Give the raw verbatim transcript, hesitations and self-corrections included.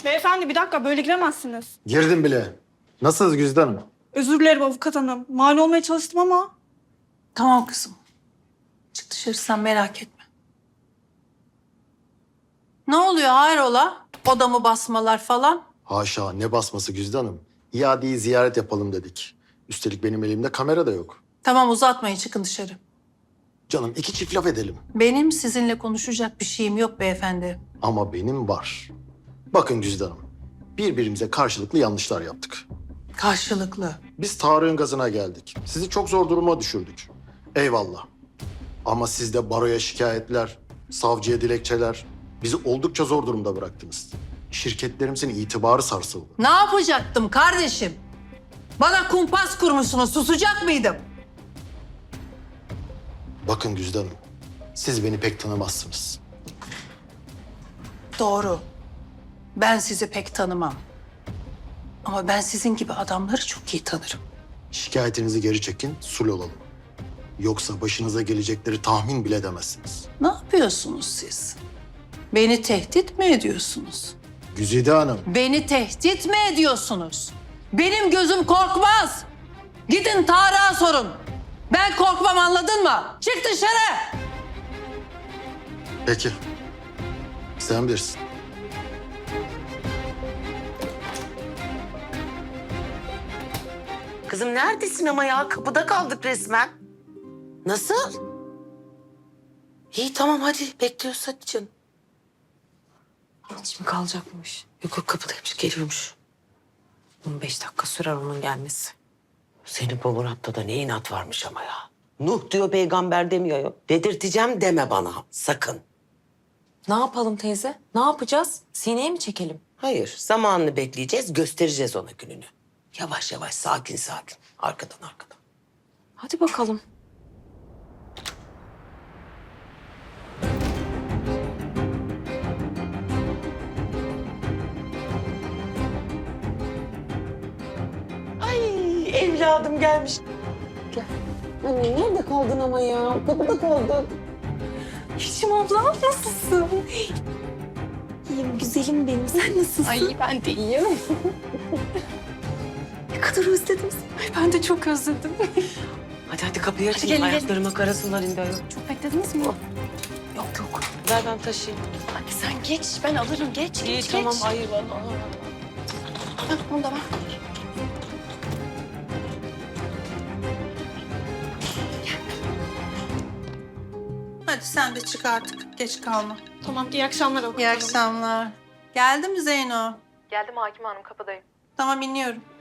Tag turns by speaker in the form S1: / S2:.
S1: Beyefendi bir dakika böyle giremezsiniz.
S2: Girdim bile. Nasılsınız Güzide Hanım?
S1: Özür dilerim avukat hanım. Mal olmaya çalıştım ama.
S3: Tamam kızım. Çık dışarı sen merak etme. Ne oluyor hayrola? Odamı basmalar falan.
S2: Haşa ne basması Güzide Hanım. İadeyi ziyaret yapalım dedik. Üstelik benim elimde kamera da yok.
S3: Tamam uzatmayın çıkın dışarı.
S2: Canım iki çift laf edelim.
S3: Benim sizinle konuşacak bir şeyim yok beyefendi.
S2: Ama benim var. Bakın Güzide Hanım. Birbirimize karşılıklı yanlışlar yaptık.
S3: Karşılıklı.
S2: Biz Tarık'ın gazına geldik. Sizi çok zor duruma düşürdük. Eyvallah. Ama siz de baroya şikayetler, savcıya dilekçeler, bizi oldukça zor durumda bıraktınız. Şirketlerimizin itibarı sarsıldı.
S3: Ne yapacaktım kardeşim? Bana kumpas kurmuşsunuz, susacak mıydım?
S2: Bakın Güzide Hanım, siz beni pek tanımazsınız.
S3: Doğru. Ben sizi pek tanımam. Ama ben sizin gibi adamları çok iyi tanırım.
S2: Şikayetinizi geri çekin, sul olalım. Yoksa başınıza gelecekleri tahmin bile edemezsiniz.
S3: Ne yapıyorsunuz siz? Beni tehdit mi ediyorsunuz?
S2: Güzide Hanım,
S3: Beni tehdit mi ediyorsunuz? Benim gözüm korkmaz. Gidin Tarık'a sorun. Ben korkmam anladın mı? Çık dışarı.
S2: peki. Sen bilirsin.
S4: Kızım neredesin ama ya? Kapıda kaldık resmen. Nasıl? İyi tamam hadi bekliyoruz hadi canım. Hiç mi kalacakmış? Yok yok kapıdaymış geliyormuş. on beş dakika sürer onun gelmesi. Senin bu Murat'ta da ne inat varmış ama ya. Nuh diyor peygamber demiyor ya. Dedirteceğim deme bana sakın.
S5: Ne yapalım teyze? Ne yapacağız? Sineye mi çekelim?
S4: Hayır zamanını bekleyeceğiz göstereceğiz ona gününü. Yavaş yavaş sakin sakin. Arkadan arkadan.
S5: Hadi bakalım.
S4: Ay evladım gelmiş. Gel. Anne nerede kaldın ama ya? Kapıda kaldın.
S5: Yeşim abla nasılsın? İyiyim güzelim benim. Sen nasılsın? Ay ben de iyiyim. Ne kadar özledim seni. Ay ben de çok özledim.
S4: Hadi hadi kapıyı açın.
S5: gelin, gelin.
S4: Ayaklarıma karasınlar indi ayol.
S5: Çok beklediniz mi? Yok yok.
S4: Ver ben taşıyayım.
S5: Hadi sen geç ben alırım geç
S4: İyi
S5: geç
S4: tamam
S5: geç.
S4: hayır bana.
S5: Hah, onu da ver.
S3: Hadi sen de çık artık. Geç kalma.
S1: Tamam iyi akşamlar avukat
S3: İyi
S1: hanım.
S3: akşamlar. Geldi mi Zeyno?
S6: Geldim Hakim Hanım kapıdayım.
S3: Tamam iniyorum.